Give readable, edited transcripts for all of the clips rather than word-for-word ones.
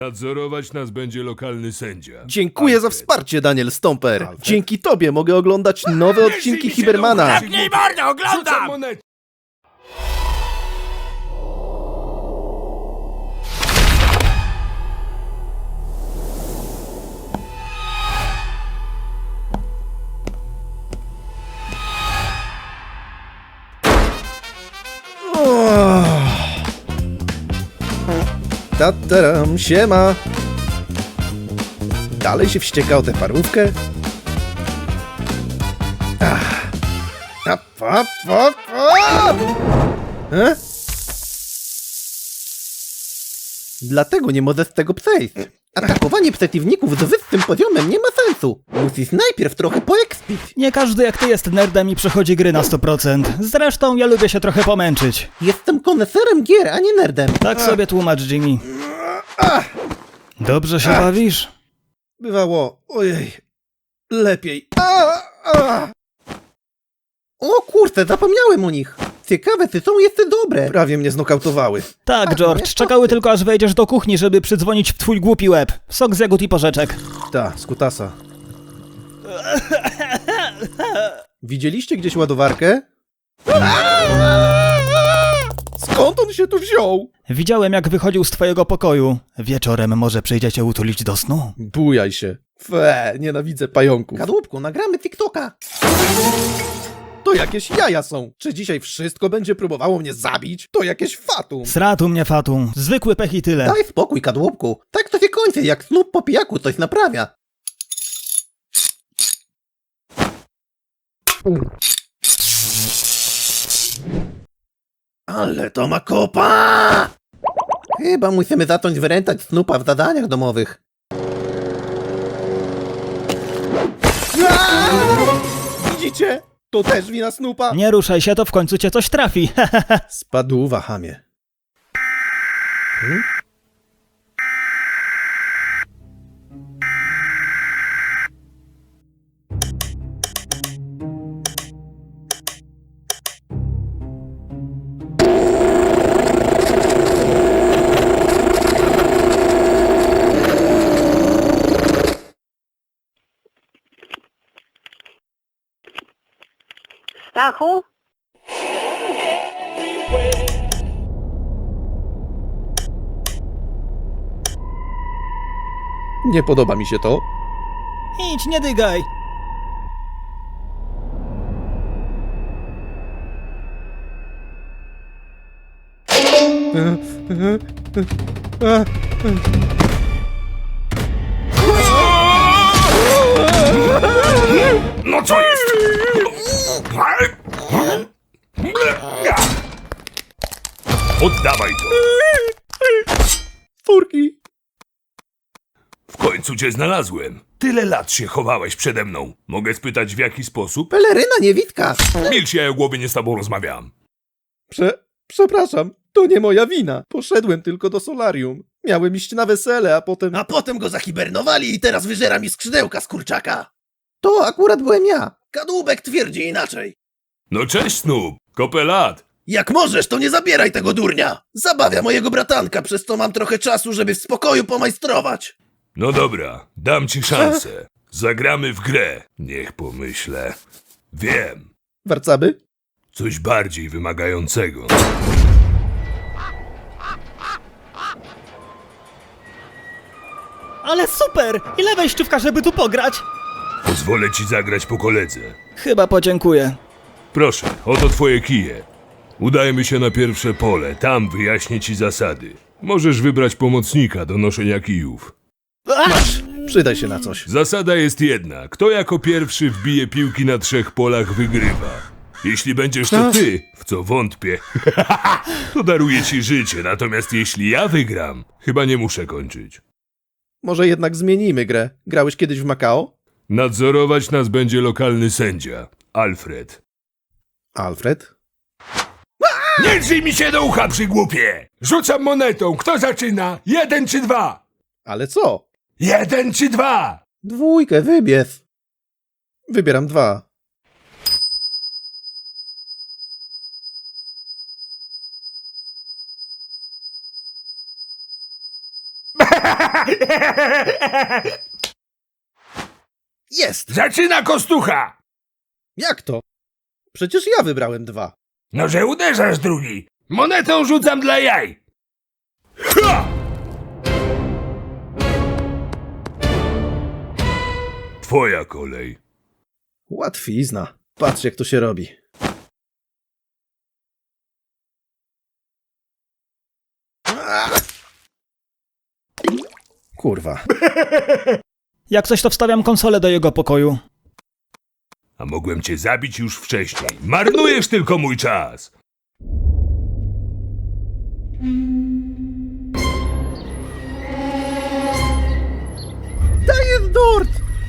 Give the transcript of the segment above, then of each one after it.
Nadzorować nas będzie lokalny sędzia. Dziękuję za Alfred. wsparcie, Daniel Stomper. Alfred? Dzięki tobie mogę oglądać nowe odcinki Hibermana. Zamknij mordę, oglądam! Tataram, siema. Dalej się wścieka o tę parówkę? Dlatego nie możesz z tego przejść. Atakowanie przeciwników z wyższym poziomem nie ma sensu. Musisz najpierw trochę poekspić. Nie każdy jak ty jest nerdem i przechodzi gry na 100%. Zresztą ja lubię się trochę pomęczyć. Jestem koneserem gier, a nie nerdem. Tak sobie tłumacz, Jimmy. Dobrze się bawisz? Bywało, ojej, lepiej. O kurczę, zapomniałem o nich. Ciekawe, czy są jeszcze dobre. Prawie mnie znokautowały. Tak, George, czekały tylko aż wejdziesz do kuchni, żeby przydzwonić w twój głupi łeb. Sok z jagód i porzeczek. Ta, skutasa. Widzieliście gdzieś ładowarkę? Skąd on się tu wziął? Widziałem, jak wychodził z twojego pokoju. Wieczorem może przyjdzie cię utulić do snu? Bujaj się. Nienawidzę pająków. Kadłubku, nagramy TikToka. To jakieś jaja są. Czy dzisiaj wszystko będzie próbowało mnie zabić? To jakieś fatum. Sratu mnie fatum. Zwykły pech i tyle. Daj spokój, kadłubku. Tak to się kończy, jak Snoop po pijaku coś naprawia. Ale to ma kopa! Chyba musimy zacząć wyręczać Snoopa w zadaniach domowych. Widzicie? To też wina Snoopa? Nie ruszaj się, to w końcu cię coś trafi. Spadłuwa, chamie. Stachu? Nie podoba mi się to. Idź, nie dygaj. No co jest? Oddawaj to! Furki. W końcu cię znalazłem. Tyle lat się chowałeś przede mną. Mogę spytać w jaki sposób? Peleryna niewidka. Milcz, ja o głowie nie z tobą rozmawiam. Przepraszam, to nie moja wina. Poszedłem tylko do solarium. Miałem iść na wesele, a potem... A potem go zahibernowali i teraz wyżera mi skrzydełka z kurczaka. To akurat byłem ja. Kadłubek twierdzi inaczej. No cześć, Snoop. Kopę lat. Jak możesz, to nie zabieraj tego durnia. Zabawia mojego bratanka, przez to mam trochę czasu, żeby w spokoju pomajstrować. No dobra, dam ci szansę. Zagramy w grę. Niech pomyślę. Wiem. Warcaby? Coś bardziej wymagającego. Ale super! Ile wejściówka, żeby tu pograć? Pozwolę ci zagrać po koledze. Chyba podziękuję. Proszę, oto twoje kije. Udajmy się na pierwsze pole, tam wyjaśnię ci zasady. Możesz wybrać pomocnika do noszenia kijów. Masz, przydaj się na coś. Zasada jest jedna. Kto jako pierwszy wbije piłki na 3 polach, wygrywa. Jeśli będziesz to ty, w co wątpię, to daruję ci życie, natomiast jeśli ja wygram, chyba nie muszę kończyć. Może jednak zmienimy grę. Grałeś kiedyś w Macao? Nadzorować nas będzie lokalny sędzia, Alfred. Alfred? Nie drzyj mi się do ucha, przygłupie! Rzucam monetą, kto zaczyna? 1 czy 2? Ale co? 1 czy 2? 2, wybierz. Wybieram 2. Jest! Zaczyna kostucha! Jak to? Przecież ja wybrałem 2. No, że uderzasz drugi. Monetą rzucam dla jaj. Ha! Twoja kolej. Łatwizna. Patrz, jak to się robi. Kurwa. Jak coś, to wstawiam konsolę do jego pokoju. A mogłem cię zabić już wcześniej. Marnujesz tylko mój czas. To jest durt!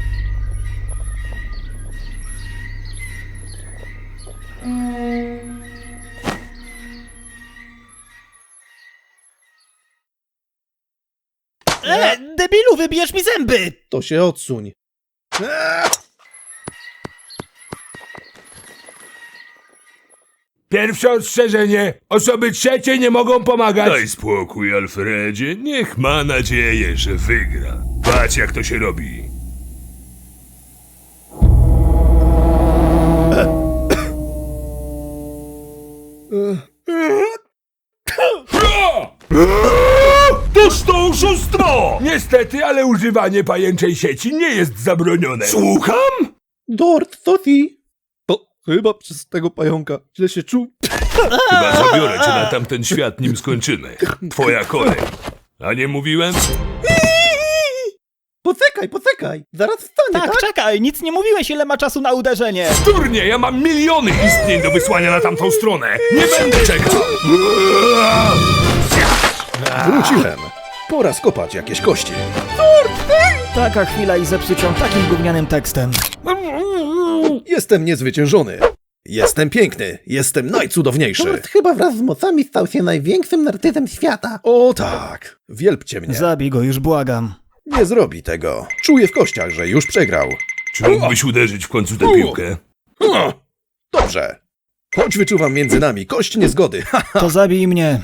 Debilu, wybijesz mi zęby! To się odsuń. Pierwsze ostrzeżenie. Osoby trzecie nie mogą pomagać. Daj spokój, Alfredzie. Niech ma nadzieję, że wygra. Patrz, jak to się robi. Toż to oszustwo! Niestety, ale używanie pajęczej sieci nie jest zabronione. Słucham? Dort, to ty. To chyba przez tego pająka źle się czuł. Chyba zabiorę cię na tamten świat, nim skończymy. Twoja kolej. A nie mówiłem? Poczekaj. Zaraz wstanie, Tak, czekaj, nic nie mówiłeś, ile ma czasu na uderzenie. Durnie, ja mam miliony istnień do wysłania na tamtą stronę. Nie będę czekał. Wróciłem. Pora skopać jakieś kości. Taka chwila i zepsuć ją takim gównianym tekstem. Jestem niezwyciężony. Jestem piękny. Jestem najcudowniejszy. Dort chyba wraz z mocami stał się największym narcyzem świata. O tak. Wielbcie mnie. Zabij go, już błagam. Nie zrobi tego. Czuję w kościach, że już przegrał. Czy mógłbyś uderzyć w końcu tę piłkę? Dobrze. Choć wyczuwam między nami kość niezgody. To zabij mnie.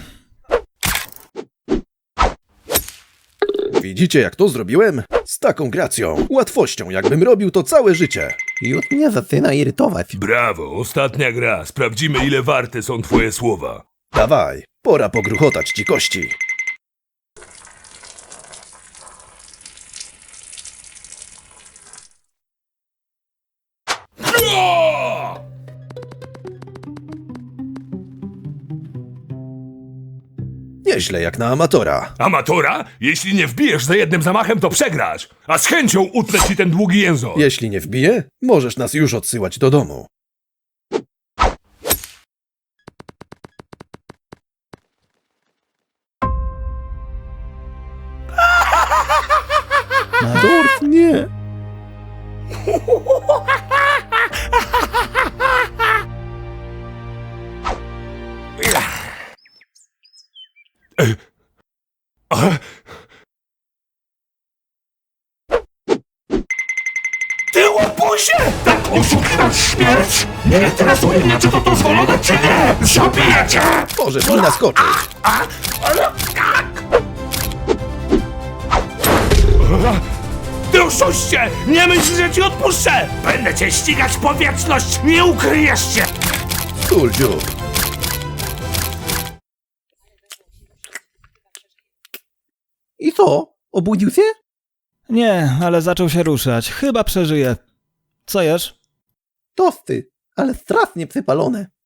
Widzicie, jak to zrobiłem? Z taką gracją, łatwością, jakbym robił to całe życie. Już mnie zaczyna irytować. Brawo, ostatnia gra. Sprawdzimy, ile warte są twoje słowa. Dawaj, pora pogruchotać ci kości. Nieźle jak na amatora. Amatora? Jeśli nie wbijesz za jednym zamachem, to przegrasz. A z chęcią utnę ci ten długi język. Jeśli nie wbije, możesz nas już odsyłać do domu. Dort, nie. Ty łobuzie! Tak oszukiwać śmierć! Nie interesuje mnie, czy to dozwolone, czy nie! Zabiję cię! Możesz mi naskoczyć. Ale tak! Ty oszuście! Nie myśl, że ci odpuszczę! Będę cię ścigać w powietrzność! Nie ukryjesz się! Tul dziób. I co? Obudził się? Nie, ale zaczął się ruszać. Chyba przeżyje. Co jesz? Tosty, ale strasznie przypalone.